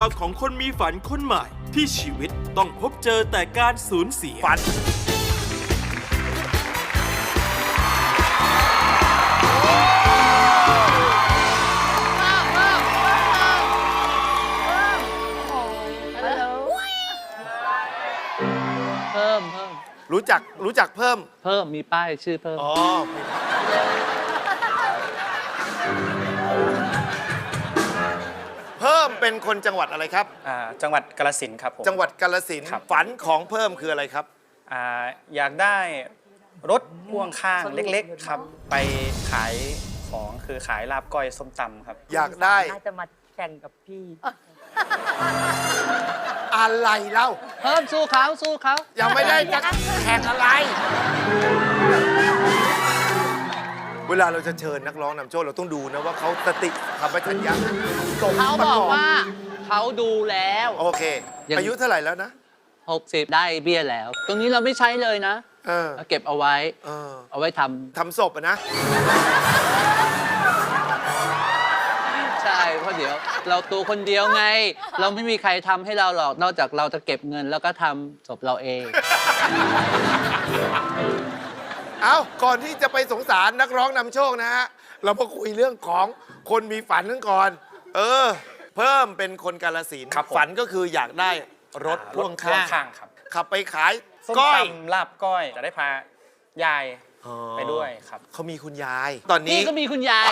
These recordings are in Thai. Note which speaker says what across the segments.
Speaker 1: าวของคนมีฝันคนใหม่ที่ชีวิตต้องพบเจอแต่การสูญเสียฝัน
Speaker 2: เพิ่ม
Speaker 3: รู้จักเพิ่ม
Speaker 2: มีป้ายชื่อเพิ่ม
Speaker 3: อ๋อเพิ่มเป็นคนจังหวัดอะไรครับ
Speaker 4: จังหวัดกาฬสินธุ์ครับผม
Speaker 3: จังหวัดกาฬสินธุ์ฝันของเพิ่มคืออะไรครับ
Speaker 4: อยากได้รถพ่วงข้างเล็กๆครับไปขายของคือขายลาบก้อยส้มตำครับ
Speaker 3: อยากได้
Speaker 5: น่าจะมาแข่งกับพี่
Speaker 3: อะไรเล่า
Speaker 2: เพิ่มสู้เขา
Speaker 3: ยังไม่ได้จะแข่งอะไร เวลาเราจะเชิญนักร้องนำโชคเราต้องดูนะว่าเขาสติสัมปชัญญะ
Speaker 2: เขาบอกว่าเขาดูแล้ว
Speaker 3: โอเคอายุเท่าไหร่แล้วนะ
Speaker 2: 60ได้เบี้ยแล้ว ตรงนี้เราไม่ใช้เลยนะเก็บเอาไว้เอาไว้
Speaker 3: ทำศพนะ
Speaker 2: ใช่เพราะเดี๋ยวเราตัวคนเดียวไง เราไม่มีใครทำให้เราหรอกนอกจากเราจะเก็บเงินแล้วก็ทำศพเราเอง
Speaker 3: เอาก่อนที่จะไปสงสารนักร้องนำโชคนะฮะเรามาคุยเรื่องของคนมีฝันกันก่อนเพิ่มเป็นคนกาฬสินธุ์ฝันก็คืออยากได้รถพ่วงข้าง
Speaker 4: ครับ
Speaker 3: ขับไปขาย
Speaker 4: ก้อยลาบก้อยจะได้พายายไปด้วยครับ
Speaker 3: เขามีคุณยายตอนนี้
Speaker 2: ก็มีคุณยาย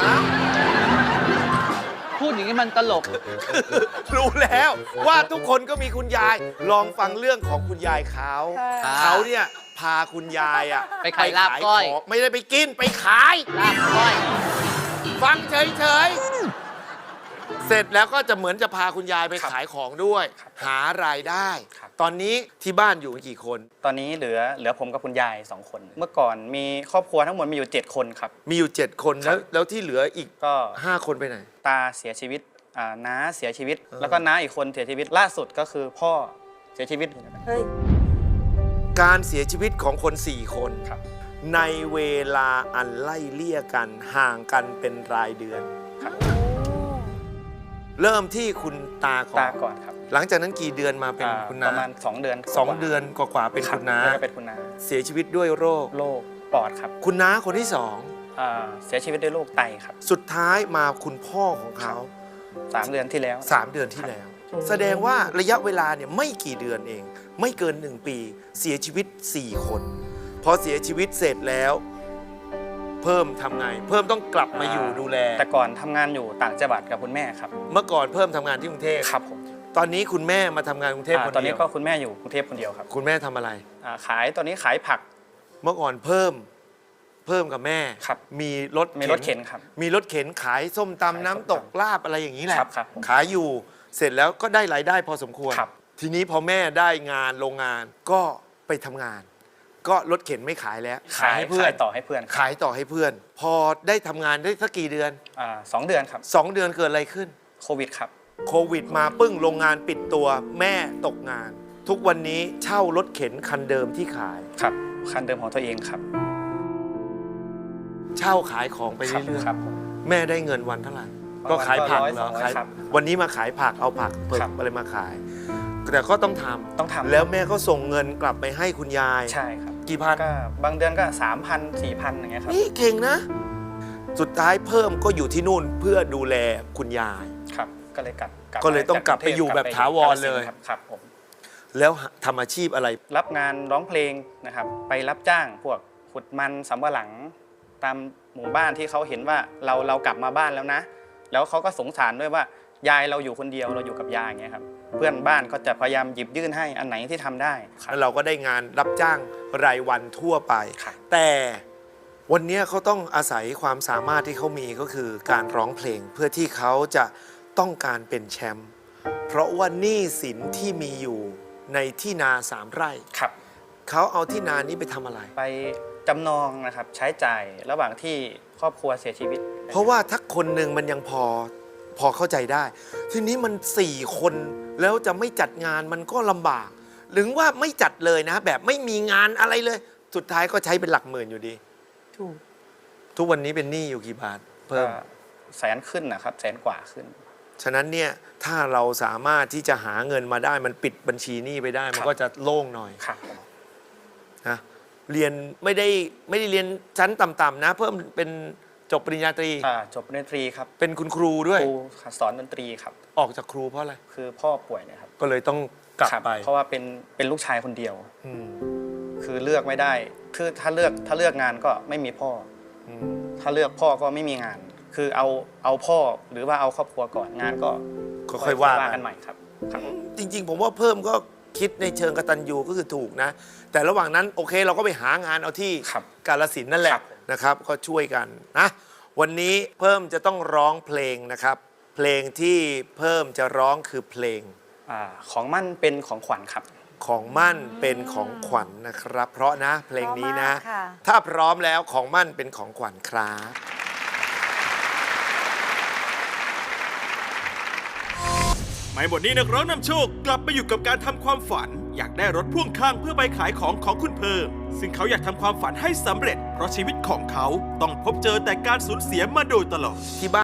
Speaker 2: พูดอย่างนี้มันตลก
Speaker 3: รู้แล้วว่าทุกคนก็มีคุณยายลองฟังเรื่องของคุณยายเขาเนี่ยพาคุณยาย
Speaker 2: ไปขายลาบก้อย
Speaker 3: ไม่ได้ไปกินไปขาย
Speaker 2: ลาบก้อย
Speaker 3: ฟังเฉยๆเสร็จแล้วก็จะเหมือนจะพาคุณยายไปขายของด้วยหารายได้ตอนนี้ที่บ้านอยู่กี่คน
Speaker 4: ตอนนี้เหลือผมกับคุณยาย2 คนเมื่อก่อนมีครอบครัวทั้งหมดมีอยู่7 คนครับ
Speaker 3: มีอยู่7 คนแล้วที่เหลืออีกก็5 คนไปไหน
Speaker 4: ตาเสียชีวิตน้าเสียชีวิตแล้วก็น้าอีกคนเสียชีวิตล่าสุดก็คือพ่อเสียชีวิต
Speaker 3: การเสียชีวิตของคน4 คนในเวลาอันไล่เลี่ยกันห่างกันเป็นรายเดือนเริ่มที่คุณตาก่อน
Speaker 4: ครับ
Speaker 3: หลังจากนั้นกี่เดือนมาเป็นคุณน้า
Speaker 4: ประมาณ2 เดือน
Speaker 3: 2 เดือนกว่าๆเป็นคุณน้าเสียชีวิตด้วยโรค
Speaker 4: ปอดครับ
Speaker 3: คุณน้าคนที่
Speaker 4: 2เสียชีวิตด้วยโรคไตครับ
Speaker 3: สุดท้ายมาคุณพ่อของเขา
Speaker 4: 3 เดือนที่แล้ว
Speaker 3: 3 เดือนที่แล้วแสดงว่าระยะเวลาเนี่ยไม่กี่เดือนเองไม่เกิน1 ปีเสียชีวิต4 คนพอเสียชีวิตเสร็จแล้วเพิ่มทำไงเพิ่มต้องกลับมาอยู่ดูแล
Speaker 4: แต่ก่อนทำงานอยู่ต่างจังหวัดกับคุณแม่ครับ
Speaker 3: เมื่อก่อนเพิ่มทำงานที่กรุงเทพ
Speaker 4: ครับผม
Speaker 3: ตอนนี้คุณแม่มาทำงานกรุงเทพคนเดียว
Speaker 4: ตอนนี้ก็คุณแม่อยู่กรุงเทพคนเดียวครับ
Speaker 3: คุณแม่ทำอะไร
Speaker 4: ขายตอนนี้ขายผัก
Speaker 3: เมื่อก่อนเพิ่มกับแม่มีรถ
Speaker 4: เข็นครับ
Speaker 3: มีรถเข็นขายส้มตำน้ำตกลาบอะไรอย่างนี้แหละขายอยู่เสร็จแล้วก็ได้รายได้พอสมควรทีนี้พอแม่ได้งานโรงงานก็ไปทำงานก็รถเข็นไม่ขายแล้ว
Speaker 4: ขายให้เพื่อนต่อให้เพื่อน
Speaker 3: ขายต่อให้เพื่อนพอได้ทำงานได้สักกี่เดือน
Speaker 4: 2 เดือนครับ
Speaker 3: 2 เดือนเกิดอะไรขึ้น
Speaker 4: โควิดครับ
Speaker 3: โควิดมาปึ้งโรงงานปิดตัวแม่ตกงานทุกวันนี้เช่ารถเข็นคันเดิมที่ขาย
Speaker 4: ครับคันเดิมของตัวเองครับ
Speaker 3: เช่าขายของไปเรื่อยๆแม่ได้เงินวันเท่าไหร่ก็ขายผักเหรอขายวันนี้มาขายผักเอาผักเปิดอะไรมาขายแต่ก็ต้องทำแล้วแม่ก็ส่งเงินกลับไปให้คุณยาย
Speaker 4: ใช่ครับ
Speaker 3: กี่พัน
Speaker 4: ก็บางเดือนก็3,000 4,000อย่างเงี้ยครับ
Speaker 3: นี่เก่งนะสุดท้ายเพิ่มก็อยู่ที่นู่นเพื่อดูแลคุณยาย
Speaker 4: ครับก็เลย
Speaker 3: ต้องกลับไปอยู่แบบถาวรเลย
Speaker 4: ครับผม
Speaker 3: แล้วทำอาชีพอะไร
Speaker 4: รับงานร้องเพลงนะครับไปรับจ้างพวกขุดมันสำปะหลังตามหมู่บ้านที่เขาเห็นว่าเรากลับมาบ้านแล้วนะแล้วเขาก็สงสารด้วยว่ายายเราอยู่คนเดียวเราอยู่กับยายอย่างเงี้ยครับเพื่อนบ้านก็จะพยายามหยิบยื่นให้อันไหนที่ทำได้
Speaker 3: แล้วเราก็ได้งานรับจ้างรายวันทั่วไปแต่วันนี้เขาต้องอาศัยความสามารถที่เขามีก็คือการร้องเพลงเพื่อที่เขาจะต้องการเป็นแชมป์เพราะว่าหนี้สินที่มีอยู่ในที่นา3 ไร่เขาเอาที่นานี้ไปทำอะไร
Speaker 4: ไปจำนองนะครับใช้จ่ายระหว่างที่ครอบครัวเสียชีวิต
Speaker 3: เพราะว่าถ้าคนหนึ่งมันยังพอเข้าใจได้ทีนี้มัน4 คนแล้วจะไม่จัดงานมันก็ลำบากหรือว่าไม่จัดเลยนะแบบไม่มีงานอะไรเลยสุดท้ายก็ใช้เป็นหลักหมื่นอยู่ดีทุกวันนี้เป็นหนี้อยู่กี่บาทเพิ่ม
Speaker 4: 100,000 ขึ้นนะครับ100,000 กว่าขึ้น
Speaker 3: ฉะนั้นเนี่ยถ้าเราสามารถที่จะหาเงินมาได้มันปิดบัญชีหนี้ไปได้ มันก็จะโล่งหน่อย
Speaker 4: ครับผม
Speaker 3: นะเรียนไม่ได้เรียนชั้นต่ำๆนะ เพิ่มเป็นจบปริญญาตรี
Speaker 4: จบดนตรีครับ
Speaker 3: เป็นคุณครูด้วย
Speaker 4: ครูสอนดนตรีครับ
Speaker 3: ออกจากครูเพราะอะไร
Speaker 4: คือพ่อป่วยนะครับ
Speaker 3: ก็เลยต้องกลับ
Speaker 4: ครับ
Speaker 3: ไป
Speaker 4: เพราะว่าเป็นลูกชายคนเดียว
Speaker 3: อืม
Speaker 4: คือเลือกไม่ได้คือถ้าเลือกงานก็ไม่มีพ่อ
Speaker 3: อืม
Speaker 4: ถ้าเลือกพ่อก็ไม่มีงาน คือเอาพ่อหรือว่าเอาครอบครัวก่อนงานก็
Speaker 3: ค่อยๆว่า
Speaker 4: กันใหม่ครับครับ
Speaker 3: จริงๆ ผมว่าเพิ่มก็คิดในเชิงกตัญญูก็คือถูกนะ แต่ระหว่างนั้นโอเคเราก็ไปหางานเอาที่
Speaker 4: ครับ
Speaker 3: กาฬสินธุ์นั่นแหละ
Speaker 4: ครับ
Speaker 3: นะครับ ก็ช่วยกันนะ วันนี้เพิ่มจะต้องร้องเพลงนะครับ เพลงที่เพิ่มจะร้องคือเพลง
Speaker 4: ของมั่นเป็นของขวัญครับ
Speaker 3: ของมั่นเป็นของขวัญนะครับ เพราะนะเพลงนี้นะ
Speaker 5: เพราะมากค่ะ
Speaker 3: ถ้าพร้อมแล้วของมั่นเป็นของขวัญครับ
Speaker 1: ไม่หมดนี้นักร้องนำโชคกลับไปอยู่กับการทำความฝัน อยากได้รถพ่วงข้างเพื่อไปขายของคุณเพิ่ม ซึ่งเขาอยากทำความฝันให้สำเร็จ เพราะชีวิตของเขาต้องพบเจอแต่การสูญเสียมาโดยตลอด
Speaker 3: ที่บ้าน